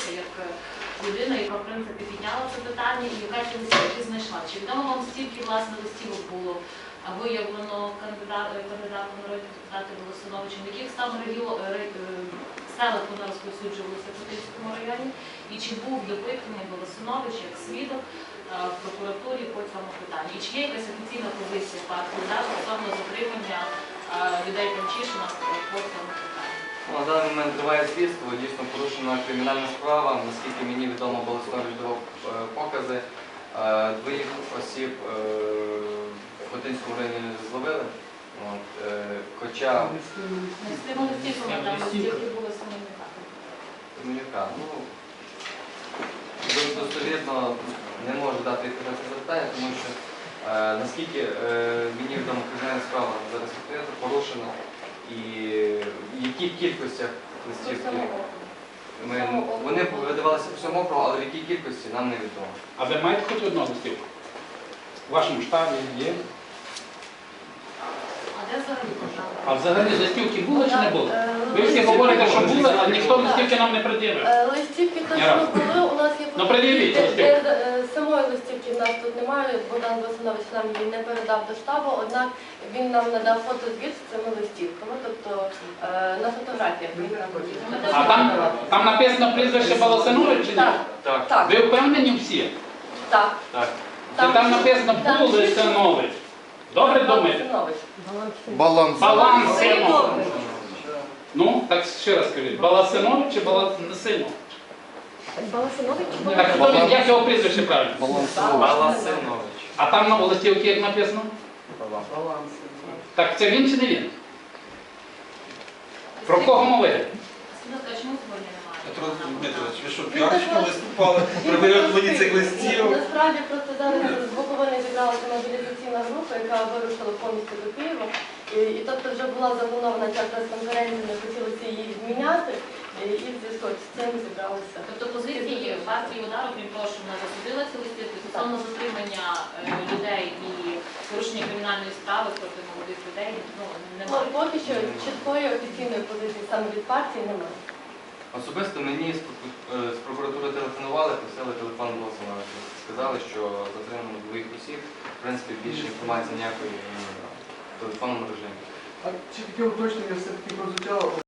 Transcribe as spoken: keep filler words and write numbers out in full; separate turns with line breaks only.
висловилася як людина, яка в принципі підняла це питання і якась листівки знайшла. Чи відомо вам стільки власне листівок було виявлено кандидатом народних депутатів Волосиновичем, в яких саме селах вона розповсюджувалася в Путильському районі, і чи був допитаний Волосинович як свідок в прокуратурі по цьому питанні? І чи є якась офіційна позиція партії «Удар» стосовно затримання людей Панчишина по цьому питанню?
На даний момент триває слідство, дійсно порушена кримінальна справа. Наскільки мені відомо, Волосинович давав покази. Двоїх осіб в Хотинському районі зловили. От, е, хоча...
Не з тими листівками, там листівки були Семенюка.
Семенюка. Ну, достовірно не можу дати відповідь на це запитання, тому що е, наскільки е, мені відомо, кримінальна справа зараз відкрита, порушена, і в яких кількостях листівки ми, вони видавалися по всьому округу, але в якій кількості нам невідомо.
А ви маєте хоч одну листівку? У вашому штабі є? А взагалі листівки були чи не були? Ви всі говорите, що були, а ніхто листівки нам не пред'явив.
Листівки точно були, у нас є
фотографії.
Самої листівки в нас тут немає, Богдан Волосинович нам її не передав до штабу, однак він нам надав фотозвіт з цими листівками, тобто на фотографіях він знаходиться.
А там, там написано прізвище Волосинович чи ні?
Так. Так.
Ви впевнені всі?
Так.
Так.
Там, там написано Волосинович. Добре думаєте?
Баланс.
Балансинович. Ну, так ще раз скажіть, Баласинович чи Баласинович?
Баласинович?
Так, хто він, як його прізвище правильно?
Баласинович.
А там на листівці як написано? Так це він чи не він? Про кого мова йде?
Петро Дмитрович, ви що, піарщиком виступали при виготовленні цих листів?
Насправді просто зараз з Буковини зібралася мобілізаційна група, яка вирушила повністю до Києва. І, і тобто вже була запланована ця прес-конференція, ми хотілося її відміняти, і, і в зв'язку з цим зібралися.
Тобто позиції партії «Удар», крім того, що вона засудила ці листівки, стосовно затримання людей і порушення кримінальної справи проти молодих людей, ну, немає.
Ну, поки що чіткої офіційної позиції саме від партії немає.
Особисто мені з прокуратури телефонували, просили телефон Волосиновича. Сказали, що затримано двох осіб. В принципі, більше інформації ніякої в телефонному режимі.
А чи таке уточнення все-таки прозвучало?